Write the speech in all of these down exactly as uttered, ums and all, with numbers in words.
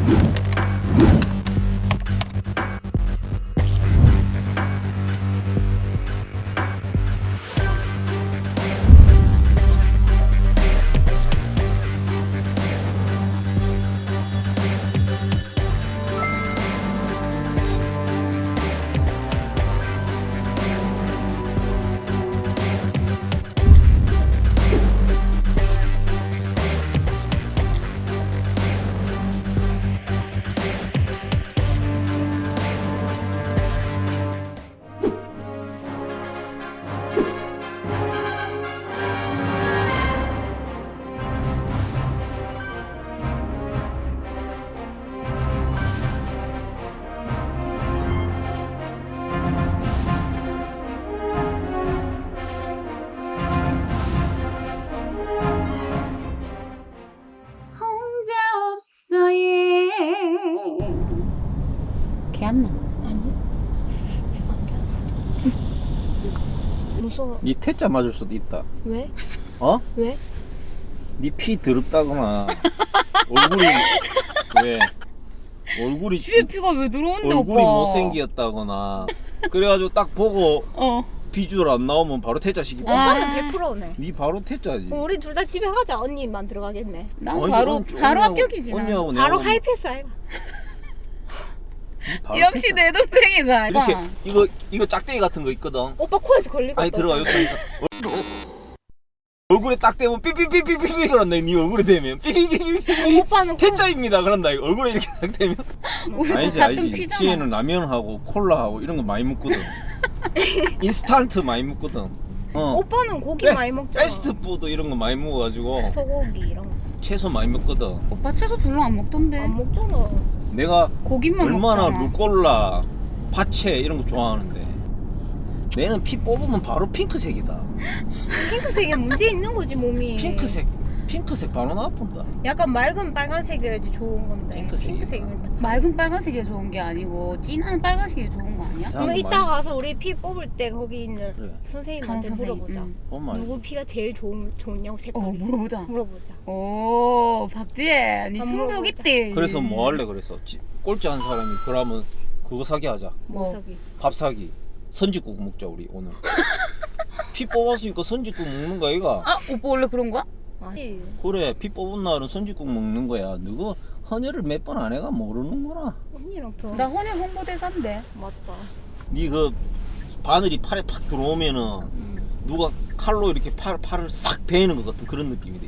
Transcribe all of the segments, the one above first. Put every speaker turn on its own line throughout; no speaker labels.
개 안 나.
아니 안 무서워.
니 태자 맞을 수도 있다.
왜?
어?
왜?
니 피 더럽다거나 얼굴이 왜 얼굴이
뒤에 피가 왜 들어오는데
얼굴이
오빠?
못생겼다거나 그래가지고 딱 보고
어.
비주얼 안 나오면 바로 태자시키.
아.
오빠는 백 퍼센트네.
니 바로 태자지.
그럼 우리 둘 다 집에 가자. 언니만 들어가겠네.
난
언니,
바로
언니,
바로
언니하고-
합격이지. 난.
언니하고
바로
내하고
하이패스 아이가.
니 바로
역시
태자.
내 동생이다.
이렇게
오빠.
이거 이거 짝대기 같은 거 있거든.
오빠 코에서 걸리고.
아니 들어가 여기 얼굴에 딱 대면 삐삐삐삐삐삐 그런다. 니 얼굴에 대면 삐삐삐삐삐
오빠는 코...
태자입니다 그런다. 얼굴에 이렇게 딱 대면
우리도
아니지
같은
아니지.
피잖아.
지혜는 라면하고 콜라하고 이런 거 많이 먹거든. 인스턴트 많이 먹거든. 어.
오빠는 고기
네,
많이 먹잖아.
패스트푸드 이런 거 많이 먹어가지고
소고기 이런 거.
채소 많이 먹거든.
오빠 채소 별로 안 먹던데.
안 먹잖아.
내가
고기만
얼마나
먹잖아.
루꼴라, 파채 이런 거 좋아하는데 내는 피 뽑으면 바로 핑크색이다.
핑크색에 문제 있는 거지 몸이.
핑크색, 핑크색 바로 나쁜다.
약간 맑은 빨간색이어야지 좋은 건데.
핑크색이다.
핑크색이면.
맑은 빨간색이 좋은 게 아니고 진한 빨간색이 좋은 거 아니야?
자,
그럼
많이-
이따 가서 우리 피 뽑을 때 거기 있는
그래.
선생님한테
간 선생님,
물어보자.
응.
엄마
누구 피가 제일 좋은, 좋냐고
어
색깔이.
물어보자.
물어보자.
오 박지혜, 니
안
승복
물어보자.
있대.
그래서 뭐 할래 그래서 지- 꼴찌 한 사람이 그러면 그거 사기 하자.
뭐?
저기.
밥 사기. 선지국 먹자 우리 오늘. 피 뽑았으니까 선지국 먹는 거 아이가?
아 오빠 원래 그런 거야?
아니.
그래 피 뽑은 날은 선지국 먹는 거야. 누구 헌혈을 몇 번 안 해가 모르는구나.
언니랑 더.
나 혼혈 홍보대사인데.
맞다.
니 그 바늘이 팔에 팍 들어오면은
응.
누가 칼로 이렇게 팔, 팔을 싹 베이는 것 같은 그런 느낌이 돼.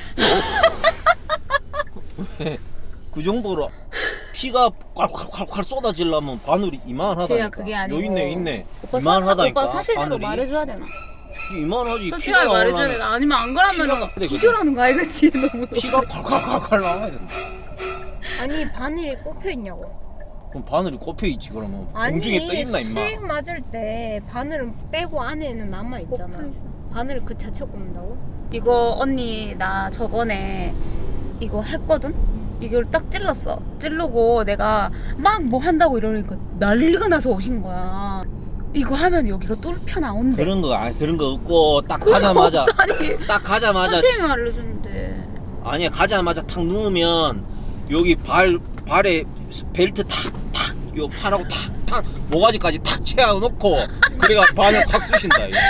왜? 그 정도로 피가 콸콸콸콸 쏟아지려면 바늘이 이만하다니까.
지혜야, 그게 아니고.
요 있네 있네.
오빠
이만하다니까.
오빠 사실대로
바늘이.
말해줘야 되나?
이만하지.
솔직하게
피가
말해줘야
나오려면
되나? 아니면 안 그러면은
피가-
기절하는 거 알겠지? 너무.
피가 콸콸콸콸 나와야 된다.
아니 바늘이 꼽혀 있냐고.
그럼 바늘이 꼽혀 있지 그러면.
아니
공중에 떠 있나 임마.
수액 맞을 때 바늘은 빼고 안에는 남아 있잖아.
꼽혀 있어.
바늘 그 자체 꼽는다고?
이거 언니 나 저번에 이거 했거든? 이걸 딱 찔렀어. 찌르고 내가 막 뭐 한다고 이러니까 난리가 나서 오신 거야. 이거 하면 여기가 뚫혀 나온대.
그런 거 아니 그런 거 없고 딱 가자마자
아니
딱 가자마자
선생님이 알려주는데.
아니야 가자마자 탁 누우면 여기 발 발에 벨트 탁탁 요 팔하고 탁탁 모가지까지 탁 채워 놓고 그래가 바늘 확 쑤신다 이거.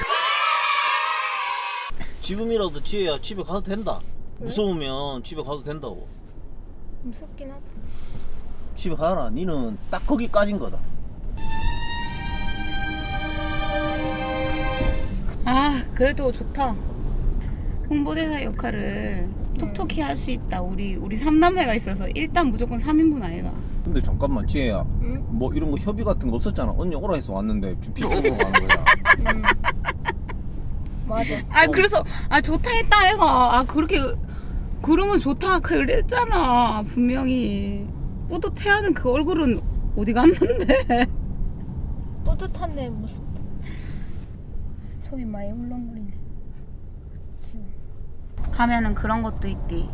지금이라도 지혜야 집에 가도 된다.
왜?
무서우면 집에 가도 된다고.
무섭긴 하다.
집에 가라. 니는 딱 거기까진 거다.
아 그래도 좋다. 홍보대사 역할을 톡톡히 할 수 있다. 우리 우리 삼남매가 있어서 일단 무조건 삼 인분 아이가.
근데 잠깐만 지혜야
응?
뭐 이런 거 협의 같은 거 없었잖아. 언니 오라 해서 왔는데 지금 비꼬고 가는 거야.
응. 맞아.
아 그래서 아 좋다 했다 아이가. 아 그렇게 그러면 좋다 그랬잖아 분명히. 뿌듯해하는 그 얼굴은 어디 갔는데.
뿌듯한데 무섭다. 속이 많이 울렁거리네. 지금.
가면은 그런 것도 있대.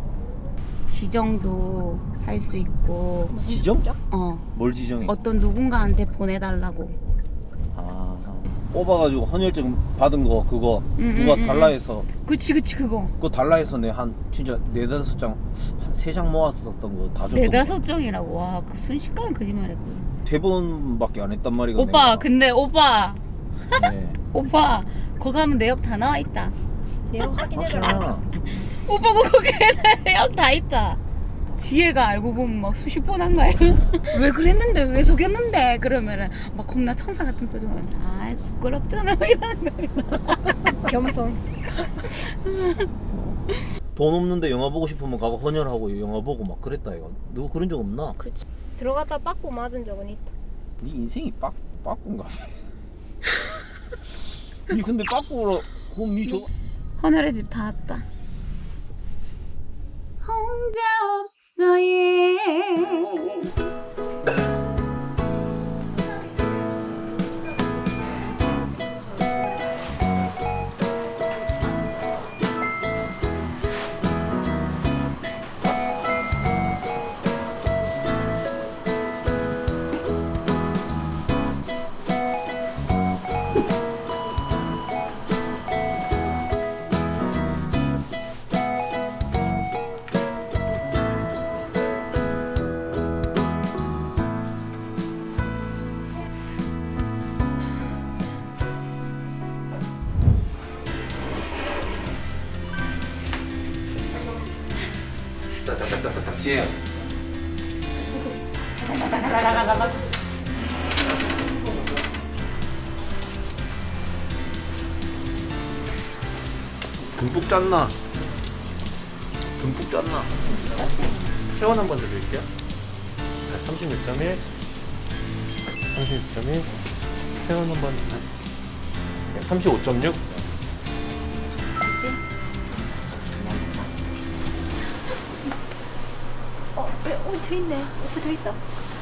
지정도 할 수 있고.
지정?
어
뭘 지정해?
어떤 누군가한테 보내달라고.
아 뽑아가지고 헌혈증 받은 거 그거
음,
누가
음, 음,
달라 해서
그치 그치 그거
그거 달라 해서 내 한 진짜 네다섯 장 한 세 장 모았었던 거 다 줬던
네다섯 장이라고. 와, 그 순식간에 거짓말했고.
세 번밖에 안 했단 말이야.
오빠
내가.
근데 오빠
네.
오빠 거기 가면 내역 다 나와 있다.
내가 확인해달라.
확실하나?
오빠 거기 내역 다 있다. 지혜가 알고 보면 막 수십 번 한 거야. 왜 그랬는데 왜 속였는데 그러면은 막 겁나 천사 같은 표정하면서 아이 부끄럽잖아 막 이러는 거야.
겸손.
돈 없는데 영화 보고 싶으면 가고 헌혈하고 영화 보고 막 그랬다 이거. 너 그런 적 없나?
그렇지. 들어갔다 빠꾸 맞은 적은 있다.
네 인생이 빡 빠꾼가 봐. 니 근데 빠꾸로 그럼 니 저.
헌혈의 집 다 왔다. 혼자 없어 예.
딱딱딱딱 지혜야. 듬뿍 짰나? 듬뿍 짰나?
체온 한번 드릴게요. 자, 삼십육 점 일, 삼십육 점 일, 체온 한번. 네, 삼십오 점 육.
어, 왜? 어, 저 있네. 오빠 저 있다.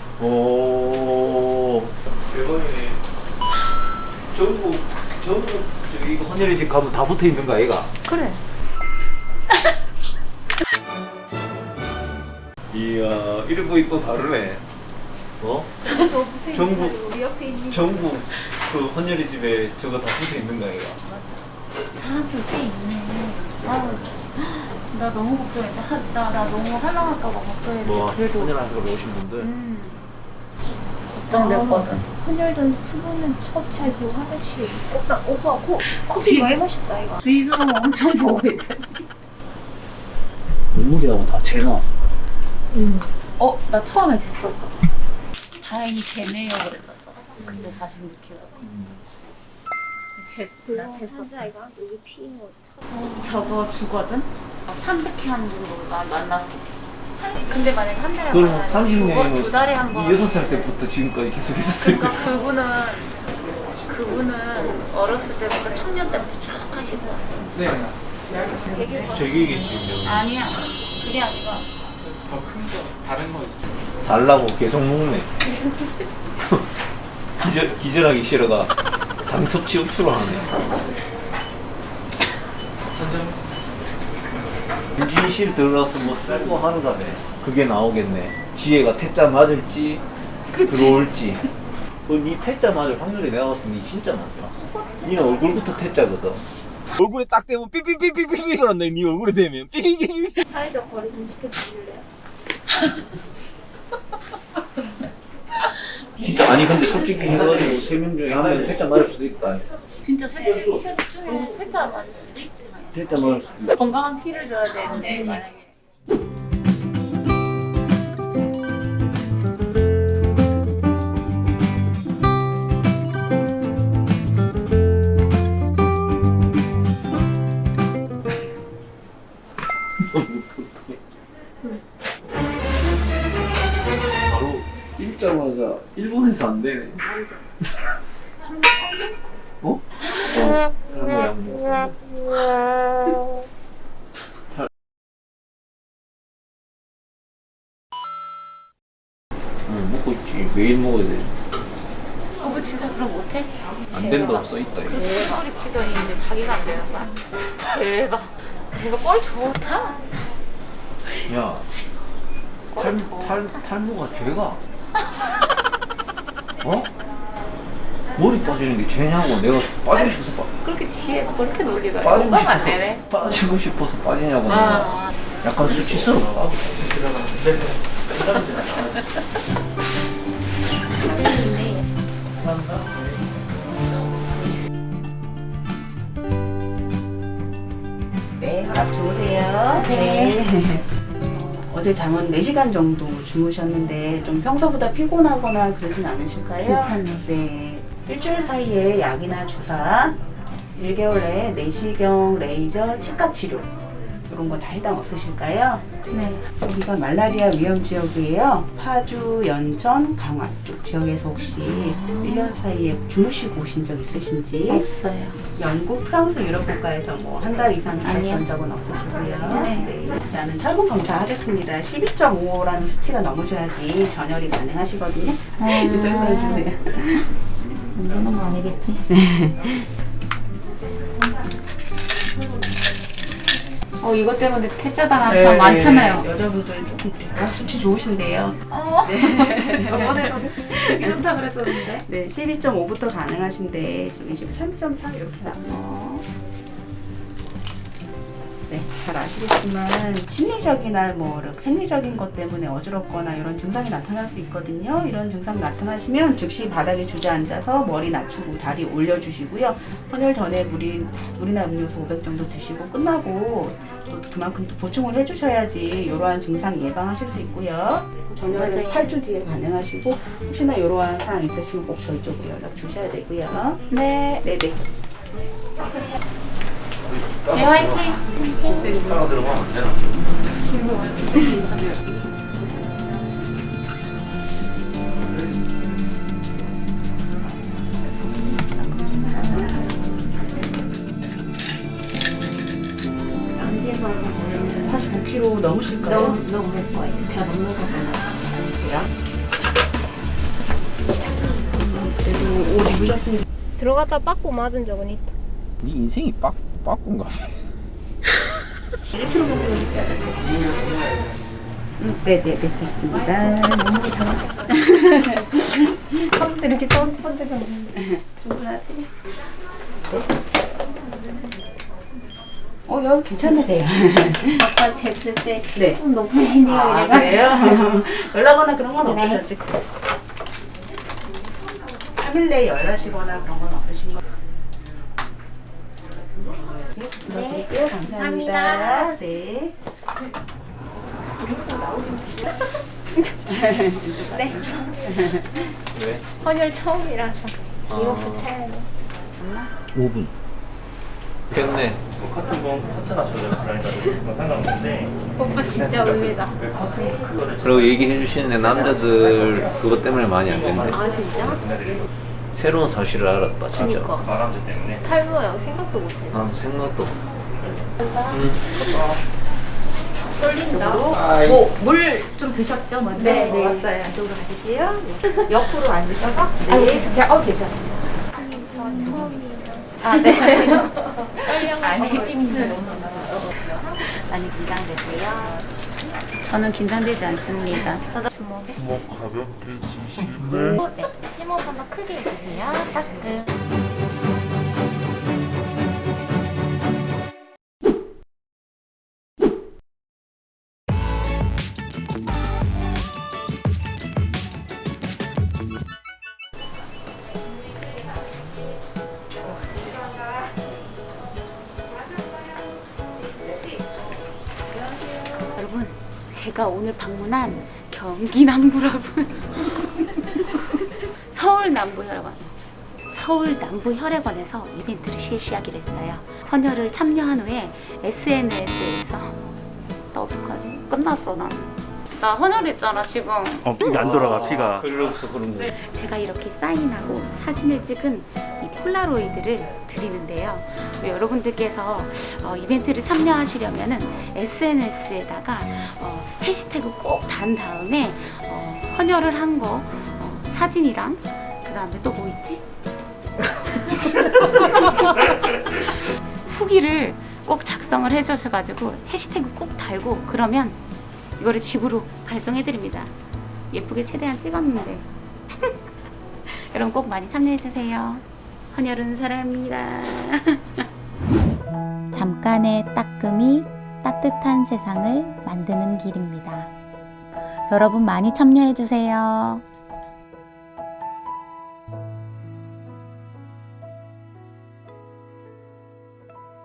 오. 대박이네. 전국 전국 저기 이거 헌혈의 집 가면 다 붙어 있는 거 아이가?
그래.
이야 이런 거 있고 다르네. 어? 전국
우리 옆에 있는.
전국 그 헌혈의 집에 저거 다 붙어 있는 거 아이가?
사람들 꽤 있네. 아우, 나 너무 걱정했다. 하- 나, 나 너무 할랑할까봐 걱정했는데.
뭐
그래도.
헌혈하러 오신 분들.
음. 걱정됐거든.
헌혈된 수분은 섭취하지 화장실. 오빠, 오빠 코, 커피
지-
많이 마셨다 이거.
주위 사람 엄청 보고 있다.
눈물이라고 다 재나.
응.
어, 나 처음에 쟀었어. 다행히 재내려고 그랬었어. 근데 사십육 킬로그램. 재, 나 쟀었어.
이거 여기 피인 거.
저거 주거든? 삼백 회 하는 정도로 나 만났어. 근데 만약에 한 달에
그럼
한
삼십
두 번,
년이면
두 달에 한 번.
여섯 살 때부터 지금까지 계속 했었을 때.
그러니까 그분은 그분은 어렸을 때부터 청년 때부터 쭉 하시고 왔어.
네.
되게
제기겠지.
아니야. 그게 아니라
살라고 계속 먹네. 기절 기절하기 싫어가 당 섭취 흡수를 하네. 인진실 들어가서 뭐 쓸고 하는가네. 그게 나오겠네. 지혜가 태자 맞을지
그치?
들어올지. 그니 태자 맞을 확률이 내가 봤을 때 니 진짜 많다. 니는 얼굴부터 태자거든. 얼굴에 딱 대면 삐삐삐삐삐삐 그런다. 니 얼굴에 대면 삐삐삐삐.
사회적 거리 좀 지켜주실래요?
진짜 아니 근데 솔직히 해가지고 세 명 중에 한 명 태자 맞을 수도 있다.
진짜 셋 셋 중에 셋다 맞을 수도 있지.
태자 맞을 수도 있다.
건강한 피를 줘야 되는데 만약에.
바로 읽자마자 일본에서 안 되네. 어? 어. 양모 양모. 응 먹고 있지. 매일 먹어야 돼.
어머 진짜 그럼 못해?
안 된다고 써 있다 이거.
그 소리 치더니 이제 자기가 안 되는 거야. 대박. 대박 뻘 좋다.
야. 탈, 탈, 탈모가 죄가? 어? 머리 빠지는 게 죄냐고. 내가 빠지고 싶어서 빠,
그렇게 지혜가 그렇게 놀리더라.
빠지고
오빠가 안
싶어서
되네.
빠지고 싶어서 빠지냐고.
아.
약간 수치스럽다.
네, 밥 좋으세요?
네.
어제 잠은 네 시간 정도 주무셨는데 좀 평소보다 피곤하거나 그러진 않으실까요?
괜찮네.
네. 일주일 사이에 약이나 주사, 일 개월 내에 내시경, 레이저, 치과 치료 이런 거 다 해당 없으실까요?
네.
여기가 말라리아 위험 지역이에요. 파주, 연천, 강화 쪽 지역에서 혹시 일 년 사이에 주무시고 오신 적 있으신지?
없어요.
영국, 프랑스, 유럽 국가에서 뭐 한 달 이상
아니요.
계셨던 적은 없으시고요.
네.
일단은 철분 검사 하겠습니다. 십이 점 오라는 수치가 넘으셔야지 전열이 가능하시거든요. 이 정도 주세요.
모르는 거 아니겠지? 어 이것 때문에 퇴짜 당한 사람 많잖아요.
여자분들 조금 그래요. 수치 좋으신데요.
어. 저번에도 되게 좋다 그랬었는데.
네, 십이 점 오부터 가능하신데 지금 이십삼 점 삼 이렇게 나와요.
어.
네, 잘 아시겠지만 심리적이나 뭐 이렇게 생리적인 것 때문에 어지럽거나 이런 증상이 나타날 수 있거든요. 이런 증상 나타나시면 즉시 바닥에 주저앉아서 머리 낮추고 다리 올려주시고요. 헌혈 전에 물이, 물이나 음료수 오백 정도 드시고 끝나고 또 그만큼 또 보충을 해주셔야지 이러한 증상 예방하실 수 있고요. 전혈은
맞아요.
팔 주 뒤에 가능하시고 혹시나 이러한 사항 있으시면 꼭 저희 쪽으로 연락 주셔야 되고요.
네.
네네.
네 화이팅.
따라 들어가면 안 되나?
언제 봐서 모르는
사십오 킬로그램 넘으실까요?
너무 너무 할 거예요. 제가 먹는 거 보나.
그래도 옷 입으셨으니까
들어갔다 빠꾸 맞은 적은 있다.
네 인생이 빡 빠꾼가?
일 킬로그램 정도 음, 네네네 됐습니다. 너무 잘하셨다.
처음부터 이렇게 첫 번째가
충분하세요? 어, 여기 괜찮으세요?
아까 쟀을 때
네.
좀 높으시네요.
아,
이래가지고.
그래요? 연락 그런 건
네.
없으셨지? 삼 일 내에 연락하시거나 그런 건 없으신 거? 네, 드릴게요. 감사합니다.
감사합니다.
네.
네.
왜?
헌혈 처음이라서 이거 붙여야 돼.
오 분. 됐네.
뭐 커튼 건 커트나 저절로 들어가니까 그건 상관없는데
오빠 진짜 의외다.
그 커튼 그거를
그리고 얘기해 주시는 남자들 그것 때문에 많이 안 된대.
아 진짜?
새로운 사실을 알았다 진짜.
그니까.
마감제 때문에
탈모야 생각도 못해.
난 생각도.
떨린다.
뭐 물 좀 드셨죠 먼저?
네, 네.
먹었어요. 이쪽으로 가실게요. 네. 옆으로 앉으셔서.
아유, 죄송해요.
어 괜찮습니다.
선생님 저 처음이에요.
아 네.
떨려가지고.
안에 찜이 너무 많이 긴장되세요.
저는 긴장되지 않습니다.
주먹에. 주먹 가볍게 주시네. 어, 네. 심호흡 한번 크게 해주세요. 따뜻.
여러분, 제가 오늘 방문한 경기 남부라군. 서울 남부 혈액원. 서울 남부 혈액원에서 이벤트를 실시하기로 했어요. 헌혈을 참여한 후에 에스엔에스에서 나 어떡하지? 끝났어 나. 나 헌혈했잖아 지금.
어 이게 안 돌아가 피가.
그래서 그런 거.
제가 이렇게 사인하고 사진을 찍은 이 폴라로이드를 드리는데요. 여러분들께서 어, 이벤트를 참여하시려면은 에스엔에스에다가 어, 해시태그 꼭 단 다음에 어, 헌혈을 한 거 어, 사진이랑 그 다음에 또 뭐 있지? 후기를 꼭 작성을 해주셔가지고 해시태그 꼭 달고 그러면 이거를 집으로 발송해드립니다. 예쁘게 최대한 찍었는데 여러분 꼭 많이 참여해주세요. 헌혈은 사랑합니다. 잠깐의 따끔이 따뜻한 세상을 만드는 길입니다. 여러분 많이 참여해주세요.